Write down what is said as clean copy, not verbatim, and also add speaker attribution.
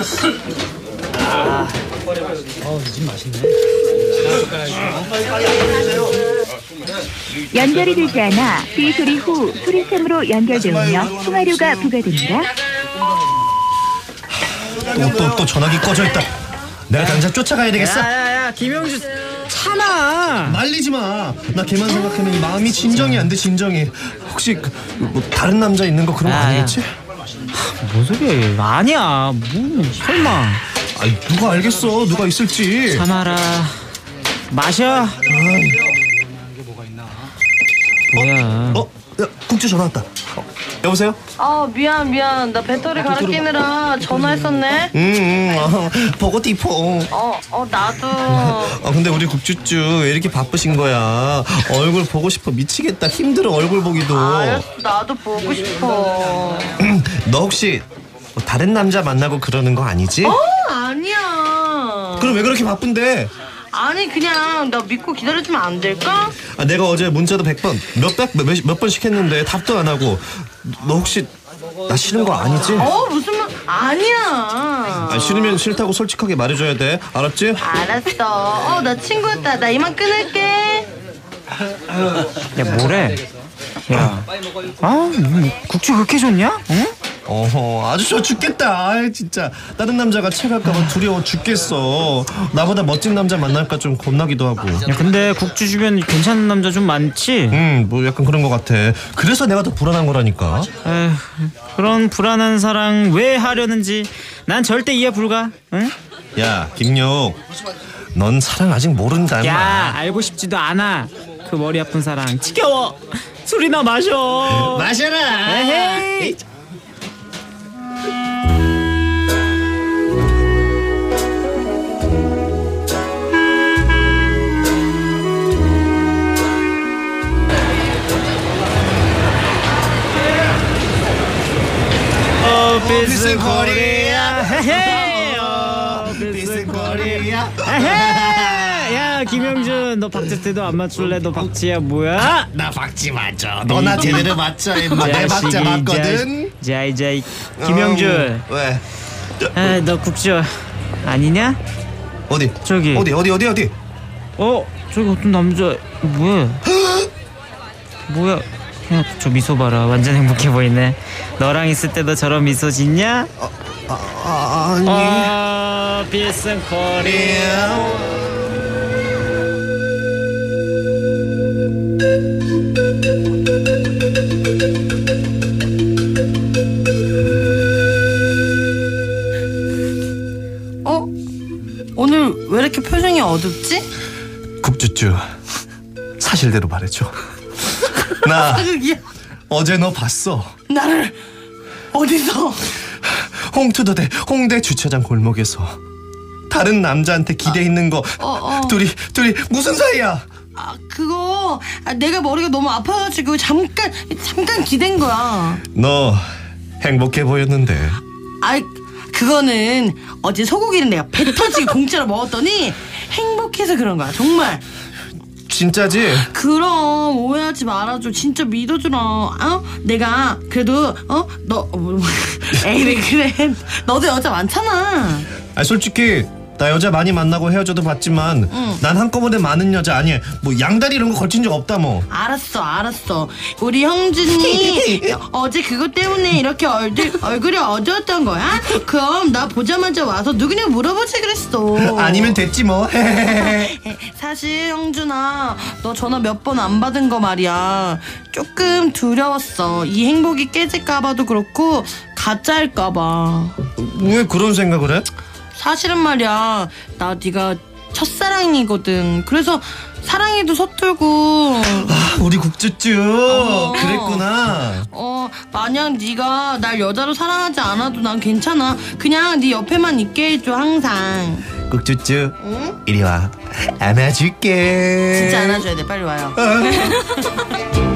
Speaker 1: 이 집 맛있네.
Speaker 2: 연결이 되지 않아 비 소리 후 소리샘으로 연결되며 통화료가 부과됩니다.
Speaker 3: 또 전화기 꺼져 있다. 내가 당장 쫓아가야 되겠어.
Speaker 1: 야야야 김영주 참아.
Speaker 3: 말리지 마. 나 걔만 생각하면 마음이 진정이 안 돼. 진정이. 혹시 뭐 다른 남자 있는 거 그런 거 아니겠지?
Speaker 1: 뭔 소리야? 아니야. 뭐 설마.
Speaker 3: 아이 누가 알겠어. 누가 있을지.
Speaker 1: 참아라. 마셔. 뭐야?
Speaker 3: 야, 국주 전화 왔다. 여보세요?
Speaker 4: 미안. 나 배터리 갈아 끼느라 전화했었네.
Speaker 3: 보고 디포.
Speaker 4: 나도.
Speaker 3: 근데 우리 국주쭈 왜 이렇게 바쁘신 거야? 얼굴 보고 싶어 미치겠다. 힘들어 얼굴 보기도.
Speaker 4: 알았어, 나도 보고 싶어.
Speaker 3: 너 혹시 뭐 다른 남자 만나고 그러는 거 아니지?
Speaker 4: 아니야.
Speaker 3: 그럼 왜 그렇게 바쁜데?
Speaker 4: 아니 그냥 나 믿고 기다려주면 안 될까?
Speaker 3: 내가 어제 문자도 100번 몇 번씩 했는데 답도 안 하고. 너 혹시 나 싫은 거 아니지?
Speaker 4: 무슨 말? 아니야.
Speaker 3: 싫으면 싫다고 솔직하게 말해줘야 돼. 알았지?
Speaker 4: 알았어. 나 친구였다. 나 이만 끊을게.
Speaker 1: 야 뭐래? 야. 국주 그렇게 좋냐? 응?
Speaker 3: 아주 좋아 죽겠다. 진짜 다른 남자가 체갈까봐 두려워 죽겠어. 나보다 멋진 남자 만날까 좀 겁나기도 하고.
Speaker 1: 야 근데 국주 주변 괜찮은 남자 좀 많지?
Speaker 3: 뭐 약간 그런 것 같아. 그래서 내가 더 불안한 거라니까.
Speaker 1: 에휴, 그런 불안한 사랑 왜 하려는지 난 절대 이해 불가. 응?
Speaker 3: 야 김용, 넌 사랑 아직 모른다.
Speaker 1: 야 알고 싶지도 않아. 그 머리 아픈 사랑 지겨워. 술이나 마셔.
Speaker 3: 마셔라.
Speaker 1: 에헤이.
Speaker 3: 비스 코리아.
Speaker 1: 비스 코리아. 야 김영준 너 박제태도 안 맞출래? 너 박지야 뭐야?
Speaker 3: 나 박지 맞죠. 너나 제대로 맞죠. 내 박자 맞거든.
Speaker 1: 자이 김영준.
Speaker 3: 왜?
Speaker 1: 너 국주 아니냐?
Speaker 3: 어디?
Speaker 1: 저기.
Speaker 3: 어디?
Speaker 1: 저기 어떤 남자 뭐야? 뭐야? 야, 저 미소 봐라. 완전 행복해 보이네. 너랑 있을 때도 저런 미소 짓냐?
Speaker 3: 아니.
Speaker 1: 비스 코리아.
Speaker 4: 오늘 왜 이렇게 표정이 어둡지?
Speaker 3: 국주쭈 사실대로 말해줘. 나 어제 너 봤어.
Speaker 4: 나를 어디서?
Speaker 3: 홍투더대 홍대 주차장 골목에서 다른 남자한테 기대 있는 거. 둘이 무슨 사이야?
Speaker 4: 그거 내가 머리가 너무 아파가지고 잠깐 기댄 거야.
Speaker 3: 너 행복해 보였는데.
Speaker 4: 그거는 어제 소고기는 내가 배 터지게 공짜로 먹었더니 행복해서 그런 거야. 정말.
Speaker 3: 진짜지?
Speaker 4: 그럼 오해하지 말아줘. 진짜 믿어주라. 내가 그래도 너 에이 그래. 너도 여자 많잖아.
Speaker 3: 솔직히 나 여자 많이 만나고 헤어져도 봤지만 난 한꺼번에 많은 여자 아니 뭐 양다리 이런 거 걸친 적 없다 뭐.
Speaker 4: 알았어. 우리 형준이 어제 그것 때문에 이렇게 얼굴이 어두웠던 거야? 그럼 나 보자마자 와서 누구냐 물어보지 그랬어.
Speaker 3: 아니면 됐지 뭐.
Speaker 4: 사실 형준아, 너 전화 몇 번 안 받은 거 말이야. 조금 두려웠어. 이 행복이 깨질까봐도 그렇고 가짜일까봐.
Speaker 3: 왜 그런 생각을 해?
Speaker 4: 사실은 말이야, 나 네가 첫사랑이거든. 그래서 사랑에도 서툴고.
Speaker 3: 우리 국주쭈 그랬구나.
Speaker 4: 만약 네가 날 여자로 사랑하지 않아도 난 괜찮아. 그냥 네 옆에만 있게 해줘 항상.
Speaker 3: 국주쭈 이리 와 안아줄게.
Speaker 4: 진짜 안아줘야 돼. 빨리 와요.